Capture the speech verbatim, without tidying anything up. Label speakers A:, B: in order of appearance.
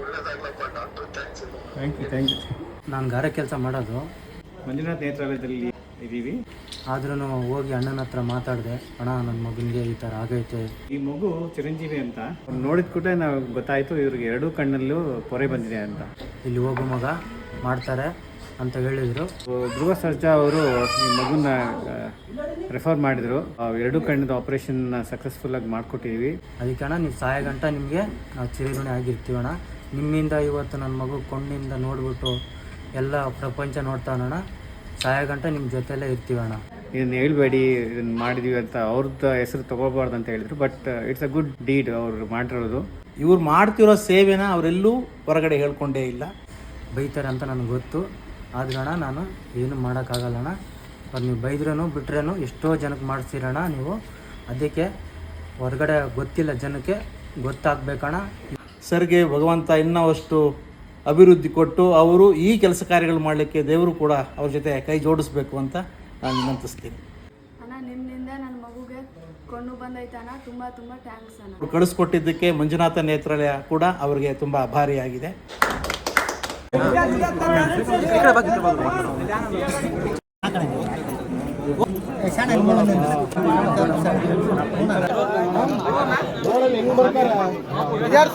A: Thank you thank you.
B: ನಾನು ಗಾರೆ ಕೆಲಸ ಮಾಡೋದು
A: ಮಂಜುನಾಥ್ ನೇತ್ರಾಲಯದಲ್ಲಿ ಇದ್ದೀವಿ.
B: ಆದ್ರೂ ಹೋಗಿ ಅಣ್ಣನ ಹತ್ರ ಮಾತಾಡಿದೆ, ಅಣ್ಣ ನನ್ನ ಮಗನಿಗೆ ಈ ಥರ ಆಗೈತೆ.
A: ಈ ಮಗು ಚಿರಂಜೀವಿ ಅಂತ ನೋಡಿದ ಕೂಡಲೇ ನಾವು ಗೊತ್ತಾಯಿತು ಇವ್ರಿಗೆ ಎರಡೂ ಕಣ್ಣಲ್ಲೂ ಪೊರೆ ಬಂದಿದೆ ಅಂತ.
B: ಇಲ್ಲಿ ಹೋಗೋ ಮಗ ಮಾಡ್ತಾರೆ ಅಂತ ಹೇಳಿದರು.
A: ಧ್ರುವ ಸರ್ಜಾ ಅವರು ಈ ಮಗುನ ರೆಫರ್ ಮಾಡಿದರು. ಎರಡೂ ಕಣ್ಣಿದ ಆಪರೇಷನ್ ಸಕ್ಸಸ್ಫುಲ್ಲಾಗಿ ಮಾಡಿಕೊಟ್ಟಿದ್ದೀವಿ.
B: ಅದಕ್ಕೆ ಅಣ್ಣ ನೀವು ಸಾಯ ಗಂಟ ನಿಮಗೆ ನಾವು ಚಿರಋಣಿ ಆಗಿರ್ತೀವಿ ಅಣ್ಣ. ನಿಮ್ಮಿಂದ ಇವತ್ತು ನನ್ನ ಮಗು ಕೊಂಡಿಂದ ನೋಡ್ಬಿಟ್ಟು ಎಲ್ಲ ಪ್ರಪಂಚ ನೋಡ್ತಾನಣ್ಣ. ಸಾಯ ಗಂಟ ನಿಮ್ಮ ಜೊತೆಲೇ ಇರ್ತೀವಿ ಅಣ್ಣ.
A: ಇದನ್ನು ಹೇಳ್ಬೇಡಿ, ಇದನ್ನು ಮಾಡಿದೀವಿ ಅಂತ ಅವ್ರದ್ದು ಹೆಸರು ತೊಗೋಬಾರ್ದು ಅಂತ ಹೇಳಿದರು. But it's a good deed ಅವ್ರು ಮಾಡಿರೋದು.
C: ಇವ್ರು ಮಾಡ್ತಿರೋ ಸೇವೆನ ಅವರೆಲ್ಲೂ ಹೊರಗಡೆ ಹೇಳ್ಕೊಂಡೇ ಇಲ್ಲ.
B: ಬೈತಾರೆ ಅಂತ ನನಗೆ ಗೊತ್ತು, ಆದ್ರೆ ಅಣ್ಣ ನಾನು ಏನು ಮಾಡೋಕ್ಕಾಗಲ್ಲಣ್ಣ. ಅವ್ರು ನೀವು ಬೈದ್ರೂ ಬಿಟ್ರೇನು ಎಷ್ಟೋ ಜನಕ್ಕೆ ಮಾಡಿಸ್ತೀರಣ್ಣ ನೀವು. ಅದಕ್ಕೆ ಹೊರಗಡೆ ಗೊತ್ತಿಲ್ಲ ಜನಕ್ಕೆ, ಗೊತ್ತಾಗಬೇಕಣ್ಣ.
C: ಸರ್ಗೆ ಭಗವಂತ ಇನ್ನಷ್ಟು ಅಭಿವೃದ್ಧಿ ಕೊಟ್ಟು ಅವರು ಈ ಕೆಲಸ ಕಾರ್ಯಗಳು ಮಾಡಲಿಕ್ಕೆ ದೇವರು ಕೂಡ ಅವ್ರ ಜೊತೆ ಕೈ ಜೋಡಿಸ್ಬೇಕು ಅಂತ ನಾನು ವಿನಂತಿಸ್ತೀನಿ.
D: ಅಣ್ಣ ನಿಮ್ಮಿಂದ ನನ್ನ ಮಗುಗೆ ಕೊಂಡು ಬಂದೈತಣ್ಣ, ತುಂಬ ತುಂಬ ಥ್ಯಾಂಕ್ಸ್ ಅಣ್ಣ.
C: ಅವ್ರು ಕಳಿಸ್ಕೊಟ್ಟಿದ್ದಕ್ಕೆ ಮಂಜುನಾಥ ನೇತ್ರಾಲಯ ಕೂಡ ಅವರಿಗೆ ತುಂಬ ಆಭಾರಿಯಾಗಿದೆ.